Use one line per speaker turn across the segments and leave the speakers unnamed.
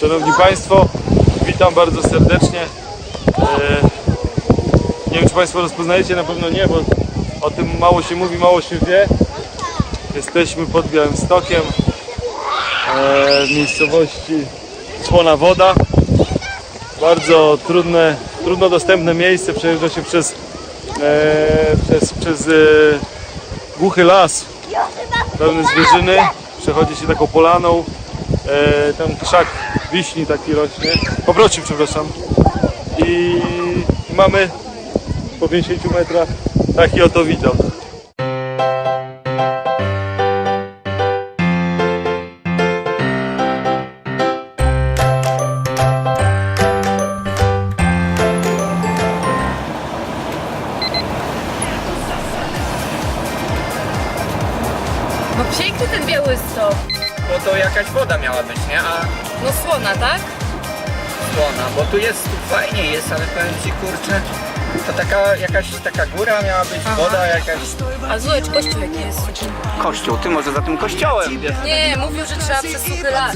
Szanowni Państwo, witam bardzo serdecznie. Nie wiem, czy Państwo rozpoznajecie, na pewno nie, bo o tym mało się mówi, mało się wie. Jesteśmy pod Białymstokiem, w miejscowości Słona Woda. Bardzo trudno dostępne miejsce, przejeżdża się przez głuchy las, pełny zwierzyny, przechodzi się taką polaną, tam krzak wiśni taki rośnie, paproci, przepraszam, i mamy po 50 metrach taki oto widok.
No piękny ten Białystok.
Bo to jakaś woda miała być, nie? A
No Słona, tak?
słona, bo tu fajnie jest, ale powiem ci, kurczę, to jakaś taka góra miała być, woda jakaś.
A zobacz, kościół jaki jest.
Kościół, ty może za tym kościołem, wiesz?
Nie, mówił, że trzeba przez suchy las.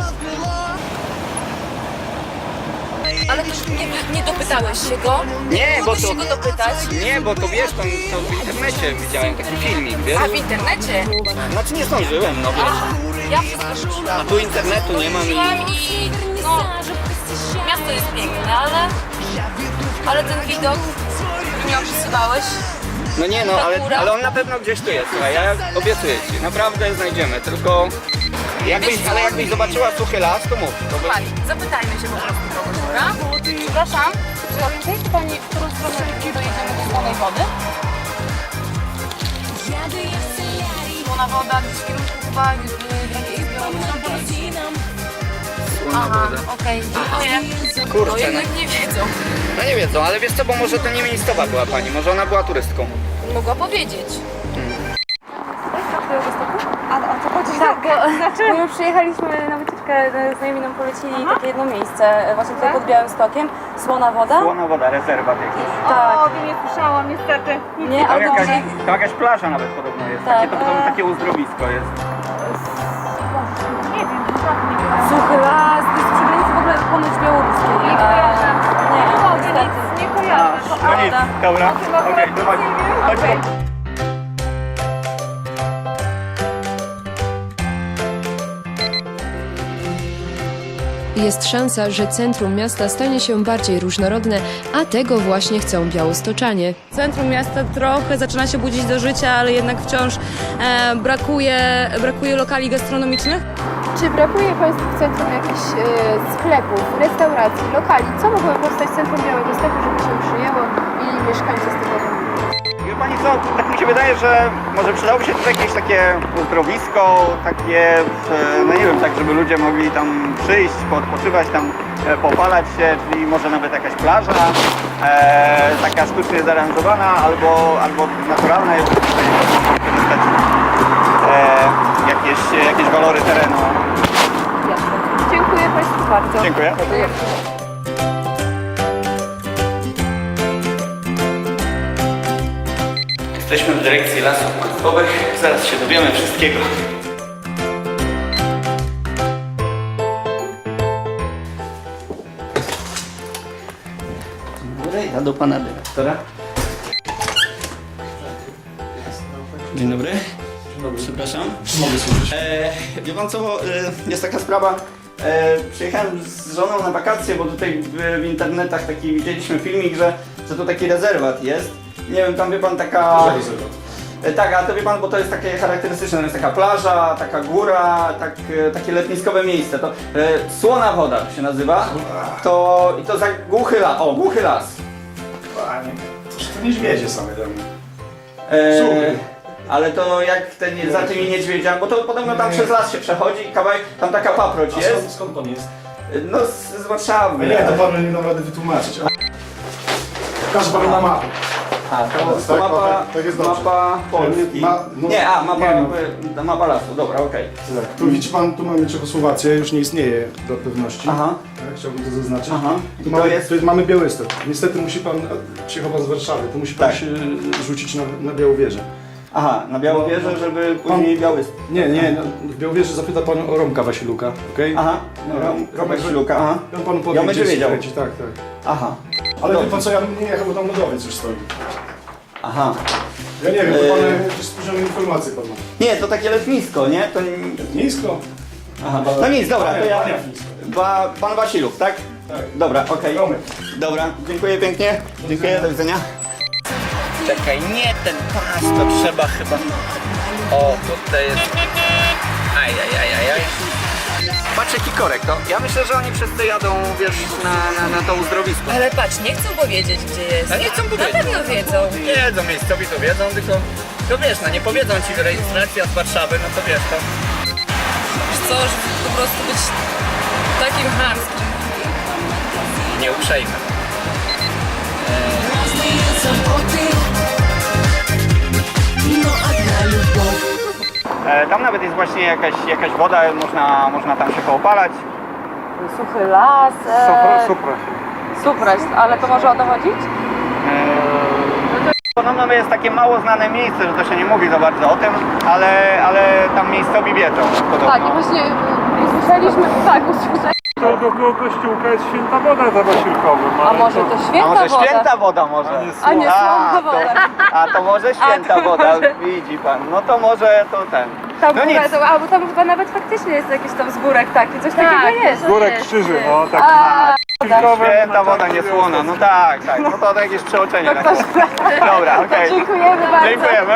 Ale też nie dopytałeś się go?
Nie, bo
Mógłbyś
to...
się go dopytać?
Nie, bo to wiesz, to w internecie widziałem taki filmik, wiesz?
A w internecie?
Znaczy nie zdążyłem, no wiesz.
Ja wszystko szukam.
A tu internetu nie mam i...
I no, miasto jest piękne, ale ten widok, który mi opisywałeś,
No nie no, ale on na pewno gdzieś tu jest, słuchaj, ja obiecuję ci, naprawdę znajdziemy, tylko... jakbyś zobaczyła suchy las, to mów. To by...
Pani, zapytajmy się po prostu kogoś, dobra? Przepraszam, czy orientuje Pani, w którą stronę dojedziemy do Słonej Wody? Słona Woda, gdzieś w kierunku chyba Aha, okej, dziękuję.
Kurczę,
No jednak nie wiedzą.
No nie wiedzą, ale wiesz co, bo może to nie miejscowa była pani, może ona była turystką.
Mogła powiedzieć.
A o co chodzi?
Tak, bo my przyjechaliśmy na wycieczkę, znajomi nam polecili takie jedno miejsce, właśnie tutaj pod Białymstokiem, Słona Woda.
Słona Woda, rezerwat jakiś.
Tak.
O, nie słyszałam niestety.
Nie, ale dobrze.
To jakaś plaża nawet podobno jest,
Tak,
takie uzdrowisko jest.
Nie wiem, nie wiem.
Suchy las, to jest przy granicy w ogóle ponoć białoruskiej.
Nie kojarzę.
Nie,
Nie,
niestety.
nie kojarzę.
No nic, dobra, okej, dawaj, chodźmy.
Jest szansa, że centrum miasta stanie się bardziej różnorodne, a tego właśnie chcą białostoczanie.
Centrum miasta trochę zaczyna się budzić do życia, ale jednak wciąż brakuje lokali gastronomicznych.
Czy brakuje Państwu w centrum jakichś sklepów, restauracji, lokali? Co mogłoby powstać w centrum Białegostoku, żeby się przyjęło i mieszkańcy z tego będą?
Wie pani co, tak mi się wydaje, że może przydałoby się tutaj jakieś takie uzdrowisko, takie, no nie wiem, tak żeby ludzie mogli tam przyjść, odpoczywać tam, popalać się, czyli może nawet jakaś plaża, taka sztucznie zaaranżowana albo naturalna, jest tutaj wykorzystać jakieś walory terenu.
Dziękuję Państwu bardzo.
Dziękuję. Jesteśmy w dyrekcji Lasów Państwowych, zaraz się dowiemy wszystkiego. Dobry, ja do pana dyrektora. Dzień dobry. Przepraszam.
Mogę służyć.
Wie pan co, jest taka sprawa. Przyjechałem z żoną na wakacje, bo tutaj w internetach taki widzieliśmy filmik, że to taki rezerwat jest. Nie wiem, tam wie pan taka... Tak, a to wie pan, bo to jest takie charakterystyczne, to jest taka plaża, taka góra, takie letniskowe miejsce. To Słona Woda to się nazywa. I to za głuchy las. O, głuchy las.
Panie, to niedźwiedzie same dla mnie.
Ale to jak za tymi niedźwiedziami, bo to podobno tam przez las się przechodzi, kawałek, tam taka paproć jest.
Skąd pan jest?
No z Warszawy.
Nie, to panu nie dam rady wytłumaczyć. Pokażę panu na mapę.
To mapa,
tak jest dobrze.
mapa Polski. Mapa lasu, dobra, okej.
Tak, tu widzi pan, tu mamy Czechosłowację, już nie istnieje dla pewności.
Aha.
Tak, chciałbym to zaznaczyć.
Aha.
Tu mamy Białystok. Niestety musi pan, przyjechał pan z Warszawy, to musi pan
Tak.
się rzucić na Białowieżę.
Aha, na Białowieżę, żeby później Białystok.
Nie, no, w Białowieży zapyta pan o Romka Wasiluka, okej?
Aha,
No,
Romek Śluka, aha.
On panu powie,
Ja będzie
gdzie
wiedział.
skręcić, tak.
Aha,
Ale
Dobrze.
wie pan co, ja nie jechał, bo tam lodowiec już stoi.
aha.
Ja nie wiem, to pan jakieś spóźnione informacje pan ma.
Nie, to takie letnisko, nie? To...
Nisko?
Aha. No nic, dobra, to ja...
Panie Fińsko.
Pan Wasiluk, tak?
Tak.
Dobra, okej.
Romek.
Dobra, dziękuję pięknie. Dziękuję, do widzenia. Czekaj, nie ten pas, to trzeba chyba... O, tutaj jest... Aj. Patrz jaki korek, to ja myślę, że oni wszyscy jadą, wiesz, na to uzdrowisko.
Ale patrz, nie chcą powiedzieć, gdzie jest.
A nie chcą powiedzieć.
Na pewno wiedzą.
Wiedzą, miejscowi to wiedzą, tylko... To wiesz, no nie powiedzą ci rejestracja z Warszawy, no to wiesz, to...
Wiesz co, żeby po prostu być takim chamskim.
Nieuprzejme. Tam nawet jest właśnie jakaś woda, można tam się poopalać.
Suchy las. Supraś, ale to może o to chodzić?
Podobno jest takie mało znane miejsce, że to się nie mówi za bardzo o tym, ale tam miejscowi wiedzą podobno.
Tak, i właśnie usłyszeliśmy,
To do kościółka jest święta woda za Wasilkowym.
A może to
A
święta
może
woda?
święta woda może?
A nie słodka woda.
A to może święta woda, widzi pan. No to może to ten.
Tam
No nic.
albo tam chyba nawet faktycznie jest jakiś tam zgórek taki, coś takiego jest.
Górek krzyży, no tak.
Święta woda niesłona, no tak. No to jakieś przeoczenie. Dobra, okej.
dziękujemy bardzo.
Dziękujemy.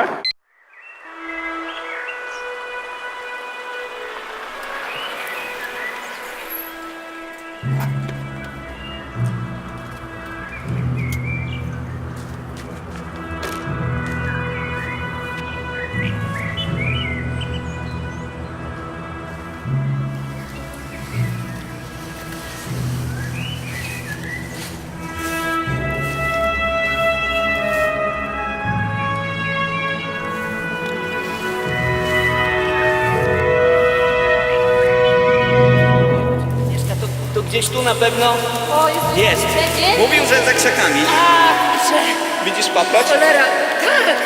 To gdzieś tu na pewno jest. Mówił, że za krzakami. Widzisz paproć?
Cholera, tak!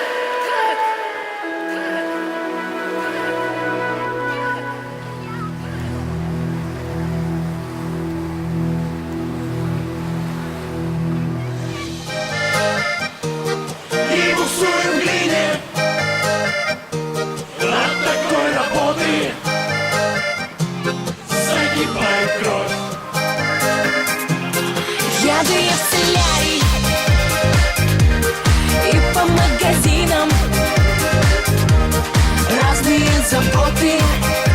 I buksują gliny na takiej roboty загибает кровь.
Еду я в солярий и по магазинам разные заботы